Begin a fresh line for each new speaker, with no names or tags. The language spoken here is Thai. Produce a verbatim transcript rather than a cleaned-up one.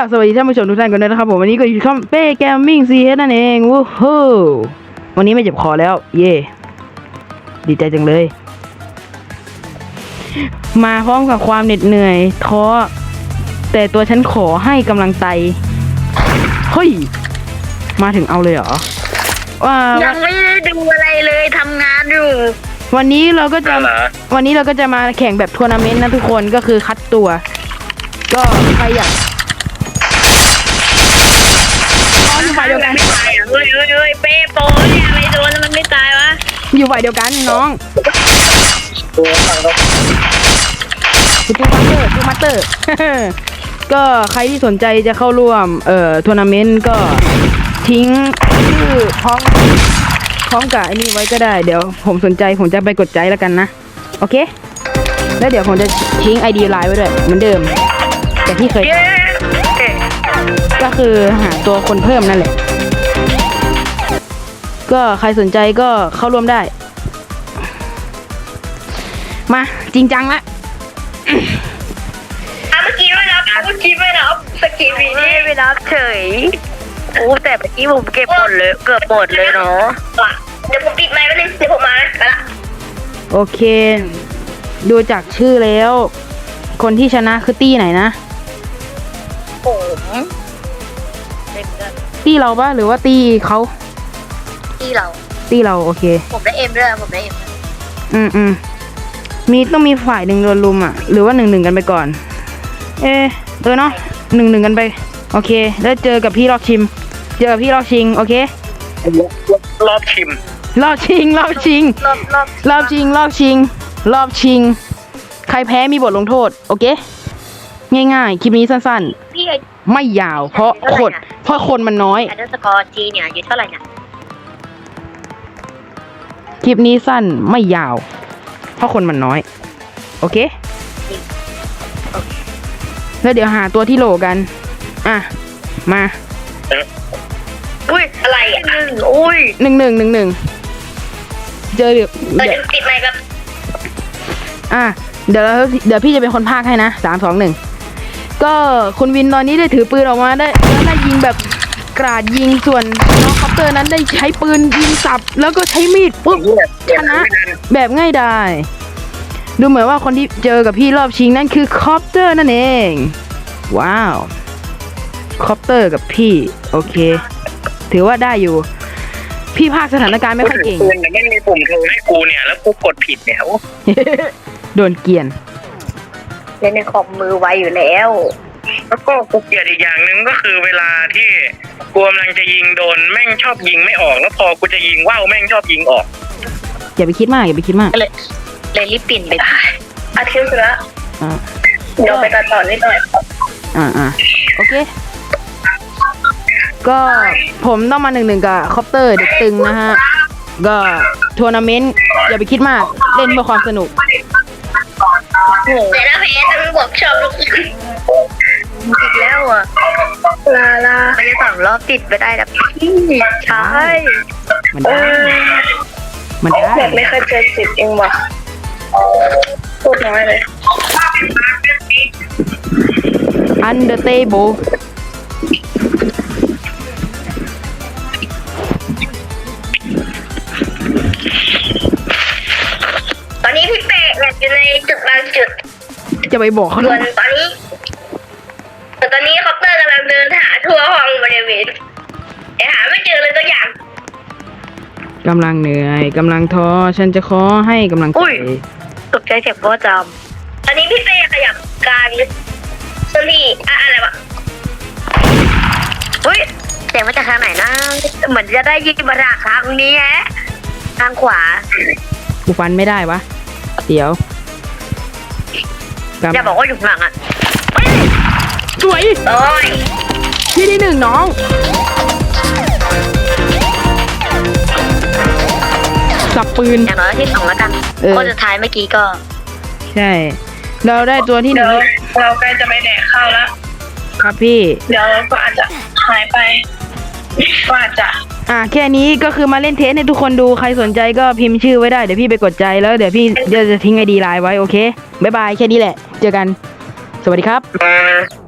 ราบสวัสดีท่านผู้ชมทุกท่านกันด้วยนะครับผมวันนี้ก็อยู่ช่องเป้แกมมิ่งซีเอสนั่นเองวู้ฮู้วันนี้ไม่เจ็บคอแล้วเย่ดีใจจังเลยมาพร้อมกับความเหน็ดเหนื่อยท้อแต่ตัวฉันขอให้กำลังใจเฮ้ยมาถึงเอาเลยเหรอว่า
ยังไม่ได้ดูอะไรเลยทำงานอยู่
วันนี้เราก็จะวันนี้เราก็จะมาแข่งแบบทัวร์นาเมนต์นะทุกคนก็คือคัดตัวก็ใครอยากอยู่ฝ่ายเดียวกัน
ไม่ตายอ่ะเฮ้ยเฮ้ยเฮ้ยเป้โปเนี่ยอะไรโดนแล้วมันไม่ตายวะ
อยู่ฝ่ายเดียวกันน้องคือตูมาสเตอร์ตูมาสเตอร์ก็ใครที่สนใจจะเข้าร่วมเอ่อทัวร์นาเมนต์ก็ทิ้งชื่อพร้อมพร้อมกับไอ้นี่ไว้ก็ได้เดี๋ยวผมสนใจผมจะไปกดใจแล้วกันนะโอเคแล้วเดี๋ยวผมจะทิ้ง ไอ ดี ไลน์ไว้ด้วยเหมือนเดิมแต่ที่เคยก็คือหาตัวคนเพิ่มนั่นแหละก็ใครสนใจก็เข้าร่วมได้มาจริงจังละ
เมื่อกี้ไม่รับเมื่อกี้ไม่รับสกีบีนี่ไม่รับเฉยโอ้แต่เมื่อกี้ผมเก็บหมดเลยเกือบหมดเลยเนาะเดี๋ยวผมปิดไมค์ไว้เลยเดี๋ยวผมมาไปละ
โอเคดูจากชื่อแล้วคนที่ชนะคือตี้ไหนนะ
ผม
ตี้เราปะหรือว่าตี้เขา
ตี้เรา
ตี้เราโอเค
ผมได้เอ็มด้วยผมได้เอ็ม
อืมอืมมีต้องมีฝ่ายหนึ่งโดนลุมอ่ะหรือว่าหนึ่งหนึ่งกันไปก่อนเออเออเนาะหนึ่งหนึ่งกันไปโอเคแล้วเจอกับพี่รอบชิมเจอกับพี่รอบชิงโอเค
รอบชิม
รอบชิงรอบชิง
รอบรอบ
รอบชิงรอบชิงรอบชิงใครแพ้มีบทลงโทษโอเคง่ายๆคลิปนี้สั้นๆไม่ยาวเพราะคนเพราะคนมันน้อย
อันเดอร์สกอร์จีเนี่ยอยู่เท่าไหร่เนี่ย
คลิปนี้สั้นไม่ยาวเพราะคนมันน้อยโอเคแล้วเดี๋ยวหาตัวที่โหลกันอ่ะมา
อุ้ยอะไรอ่ะอุ้ย
หนึ่งหนึ่งหนึ่งหนึ่งเจอเดี๋ยว
เดี๋ยวติดไมค์แบบ
อ่ะเดี๋ยวเดี๋ยวพี่จะเป็นคนพากให้นะสามสองหนึ่งก็คุณวินตอนนี้ได้ถือปืนออกมาได้แล้วได้ยิงแบบกราดยิงส่วนน้องคอปเตอร์นั้นได้ใช้ปืนยิงสับแล้วก็ใช้มีดปุ๊บชนะแบบง่ายดายดูเหมือนว่าคนที่เจอกับพี่รอบชิงนั่นคือคอปเตอร์นั่นเองว้าวคอปเตอร์กับพี่โอเคถือว่าได้อยู่พี่ภาคสถานการณ์ไม่ค่อยเก่ง
แต่ไม่มีปุ่มโทรให้กูเนี่ยแล้วกูกดผิดเนี่ย
โดนเกียน
เล่นในคอมมือไวอยู่แล้ว
แล้วก็กูเกลียดอีกอย่างหนึ่งก็คือเวลาที่กูกำลังจะยิงโดนแม่งชอบยิงไม่ออกแล้วพอกูจะยิงว่าวแม่งชอบยิงออก
อย่าไปคิดมากอย่าไปคิดมาก
เลยเลยรีบปิ่นไปอาคิวเสือเดี๋ยวไปตัดต่อนิดหน่อย
อ่าอ่าโอเคก็ผมต้องมาหนึ่งหนึ่งกับคอปเตอร์เด็กตึงนะฮะก็ทัวร์นาเมนต์อย่าไปคิดมากเล่นเพื่อความสนุก
แต่ละเพจต้องบอกชอบลูกอีกแล้วอ่ะลาลาไม่ได้สองรอบติดไปได้นะพี่ใช่
มันได้มันได้
ไม่เคยเจอติดเองว่ะพูดน้อยเลย
Under table
ตอนนี้พี่เป๊ะอยู่ในจุดบางจุด
จะไปบอกเขา
ส่วนตอนนี้แต่ตอนนี้คอปเตอร์กำลังเดินหาทั่วห้องบริเวณแต่หาไม่เจอเลยตัวอย่าง
กำลังเหนื่อยกำลังท้อฉันจะขอให้กำลังใจ
ตกใจเจ็บก็จำตอนนี้พี่เป๊ะขยับการส่วนที่อะไรวะเฮ้ยเสียงมาจากทางไหนนะเหมือนจะได้ยินมาจากทางนี้ฮะทางขวา
กูฟันไม่ได้วะเดี๋ยว
อย่าบอกว่าอยู่หลังอ่ะ
สวย
โอ้ย
ที่ที่หนึ่งน้องสับปืน
อย่างน้อยที่สองแล้วกันคนสุดท้ายเมื่อกี้ก็
ใช่เราได้ตัวที่หนึ่ง
เราใกล้จะไปแดกข้าวแล้ว
ครับพี่
เดี๋ยวก็อาจจะหายไปก็อาจจะ
อ่ะแค่นี้ก็คือมาเล่นเทสให้ทุกคนดูใครสนใจก็พิมพ์ชื่อไว้ได้เดี๋ยวพี่ไปกดใจแล้วเดี๋ยวพี่จะทิ้งไอดีไลน์ไว้โอเคบ๊ายบายแค่นี้แหละเจอกันสวัสดีครับ